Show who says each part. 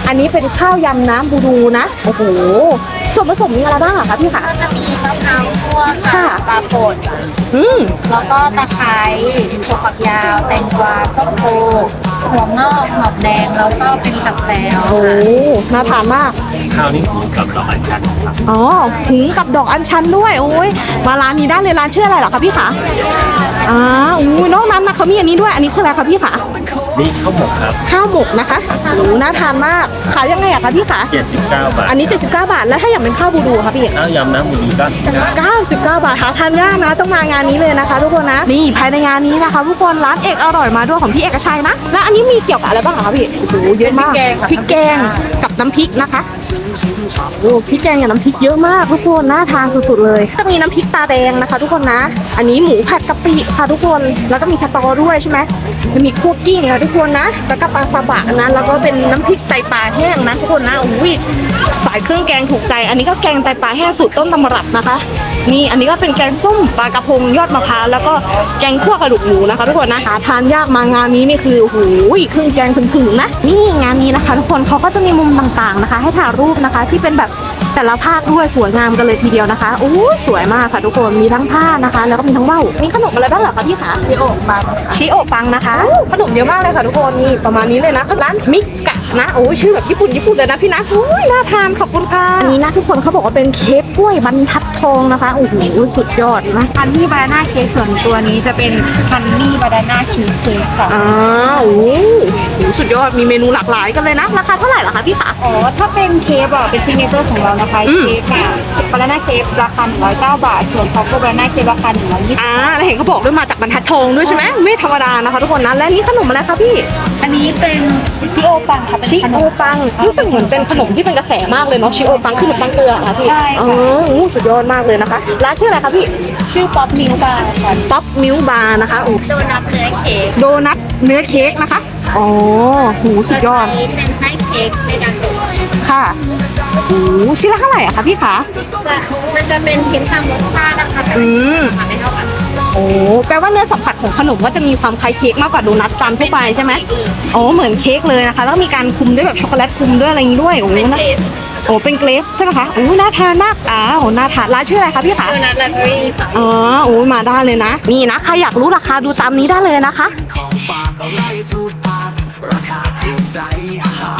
Speaker 1: อันนี้เป็นข้าวยำน้ำบูดูนะโอ้โหส่วนผสมมีอะไรบ้างอะคะพี่คะ
Speaker 2: ก็จะมีมะพร้าวคั่วค่ะปลาป่นแล้วก็ตะไคร้ถั่วฝักยาวแตงกวาส้มโอหัวงอกหอมแดงแล้วก็เป็นตับแต้ว
Speaker 1: โอ้น่าทานมาก
Speaker 3: ข้าวนี่หุงกับดอกอัญชันครับ
Speaker 1: อ๋อหุงกับดอกอัญชันด้วยโอ้ยมาร้านนี้ได้เลยร้านชื่ออะไรเหรอคะพี่คะอุ้ยนอกนั้นนะเขามีอันนี้ด้วยอันนี้คืออะไรคะพี่คะ
Speaker 3: นี่ข้าวหมกครับ
Speaker 1: ข้าวหมกนะคะโอ้น่าทานมากขายยังไงอะคะพี่คะ
Speaker 3: 79 บาท
Speaker 1: อันนี้79 บาทแล้วถ้าอยากเป็นข้าวบูดูคะพี่
Speaker 3: ข้าวยำน้ำหมูดี99
Speaker 1: 99 บาทหาทานยากนะต้องมางานนี้เลยนะคะ ทุกคนนะนี่ภายในงานนี้นะคะทุกคนร้านเอกอร่อยมาด้วยของพี่เอกชัยนะแล้วอันนี้มีเกี่ยวกับอะไรบ้างคะพี่โอ้โหเยอะมากพริกแกงกับน้ำพริกนะคะโอ้พริกแกงกับน้ำพริกเยอะมากทุกคนน่าทานสุดๆเลยจะมีน้ำพริกตาแดงนะคะ ทุกคนนะอันนี้หมูผัดกะปิค่ะทุกคนแล้วก็มีสตอด้วยใช่ไหมจะมีคั่วกิ้งค่ะทุกคนนะแล้วก็ปลาซาบะนะแล้วก็เป็นน้ำพริกไตปลาแห้งนะทุกคนนะอุ้ยสายเครื่องแกงถูกใจอันนี้ก็แกงไตปลาแห้งสูตรต้นตำรับนะคะนี่อันนี้ก็เป็นแกงส้มปลากระพงยอดมะพร้าวแล้วก็แกงคั่วกระดูกหมูนะคะทุกคนนะหาทานยากมางานนี้นี่คือโอ้โหเครื่องแกงถึงๆนะนี่งานนี้นะคะทุกคนเขาก็จะมีมุมต่างๆนะคะให้ถ่ายรูปนะคะที่เป็นแบบแต่ละภาคด้วยสวยงามกันเลยทีเดียวนะคะโอ้สวยมากค่ะทุกคนมีทั้งผ้านะคะแล้วก็มีทั้งว่าวมีขนมอะไรบ้างเหรอคะพี่คะชิโอะปังชิโอะปังนะคะขนมเยอะมากเลยค่ะทุกคนนี่ประมาณนี้เลยนะร้านมิกะนะโอ้ชื่อแบบญี่ปุ่นเลยนะพี่นะโอ้ยน่าทานขอบคุณค่ะอันนี้นะทุกคนเขาบอกว่าเป็นเค้กกล้วยบรรทัดทองนะคะโอ้โหสุดยอดนะ
Speaker 2: ฮันนี่บานาน่าเค้กส่วนตัวนี้จะเป็นฮันนี่บานาน่าชีสเค้กค่ะ
Speaker 1: โอ้โหสุดยอดมีเมนูหลากหลายกันเลยนะราคาเท่าไหร่เหรอคะพี่คะ
Speaker 2: อ๋อถ้าเป็นเค้กอ่ะเป็นซิกเนเจอร์ของเรานะคะเค้กค่ะบานาน่าเค้กราคา109 บาทส่วนช็อกโกบานาน่าเค้กราคา120
Speaker 1: แล้วเห็นเขาบอกด้วยมาจากบรรทัดทองด้วยใช่ไหมไม่ธรรมดานะคะทุกคนนะและนี่ขนมอะไรคะพี่
Speaker 2: อันนี้เป็นชิโอปังค่ะ
Speaker 1: ชิโอปังรู้สึกเหมือนเป็นขนมที่เป็นกระแสมากเลยเนาะชิโอปังคือขนมปังเกลือค่ะพี่
Speaker 2: ใช่ค่ะ
Speaker 1: สุดยอดมากเลยนะคะร้านชื่ออะไรคะพี่
Speaker 2: ชื่อป๊อปมิลบาร์ค่ะ
Speaker 1: ป๊อปมิลบาร์นะคะโอ้
Speaker 2: โดนัทเนื้อเค้ก
Speaker 1: โดนัทเนื้อเค้กนะคะอ๋อหูสุดยอด
Speaker 2: เป็นไส้เค้กในการตก
Speaker 1: ค่ะโอ้ชิ้นละเท่าไหร่อะคะพี่คะ
Speaker 2: มันจะเป็นชิ้นตามรสชาตินะคะแต่ราคาไม่เท่ากัน
Speaker 1: โอ้แปลว่าเนื้อสัมผัสของขนมก็จะมีความคล้ายเค้กมากกว่าโดนัทจานทั่วไปใช่ไหมอ๋อเหมือนเค้กเลยนะคะแล้วก็มีการคลุมด้วยแบบช็อกโกแลตคลุมด้วยอะไรอย่างนี้ด้วยโอ้นะโอ้เป็นเกรสใช่ไหมคะโอ้น่าทานมากน่าทานร้านชื่ออะไรคะพี่คะ
Speaker 2: โดนัทไลบรารีค่ะ
Speaker 1: อ๋อโอ้มาได้เลยนะนี่นะใครอยากรู้ราคาดูตามนี้ได้เลยนะคะ
Speaker 4: ของฝากอะไรถูกปากราคาถูกใจอาหาร